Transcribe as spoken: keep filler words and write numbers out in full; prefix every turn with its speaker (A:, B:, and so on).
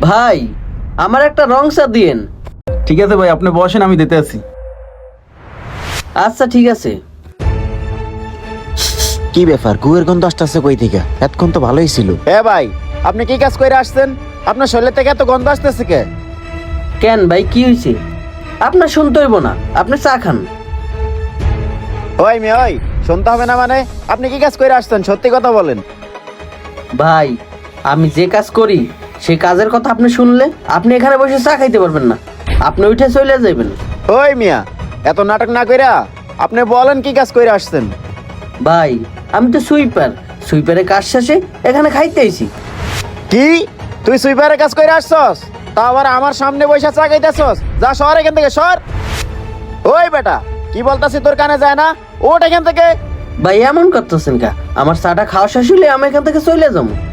A: ভাই আমার একটা রং চা দিয়েন।
B: ঠিক আছে ভাই, আপনি বসেন, আমি দিতে আছি।
A: আচ্ছা ঠিক আছে।
C: কি ব্যাপার, গুয়ের গন্ধ আসতেছে কই থেকে? এতক্ষণ তো ভালোই ছিল। এ ভাই, আপনি কি কাজ করে আসছেন? আপনার শরীর থেকে এত গন্ধ আসতেছে কে?
A: কেন ভাই কি হয়েছে? আপনার শুনতে হইব না, আপনি চা খান।
C: ওই মেয়ে ওই, শুনতে হবে না মানে? আপনি কি কাজ করে আসছেন, সত্যি কথা বলেন।
A: ভাই আমি যে কাজ করি সেই কাজের কথা আপনি শুনলে আপনি এখানে বসে চা খাইতে পারবেন না, আপনি উঠে চলে যাবেন।
C: ওই মিয়া, এত নাটক না কইরা আপনি বলেন কি কাজ করে আসছেন।
A: ভাই আমি তো সুইপার, সুইপারের কাজ শেষে এখানে খাইতে আইছি।
C: কি তুই সুইপারের কাজ করে আসছস? তা আবার আমার সামনে বসে চা খাইতেছস? যা শহর এখান থেকে, সর। ওই বেটা, কি বলতাছি তোর কানে যায় না? ওঠ এখান থেকে।
A: ভাই এমন করতেছেন কা? আমার চাটা খাওয়া শেষ হলে আমি এখান থেকে চলে যাবো।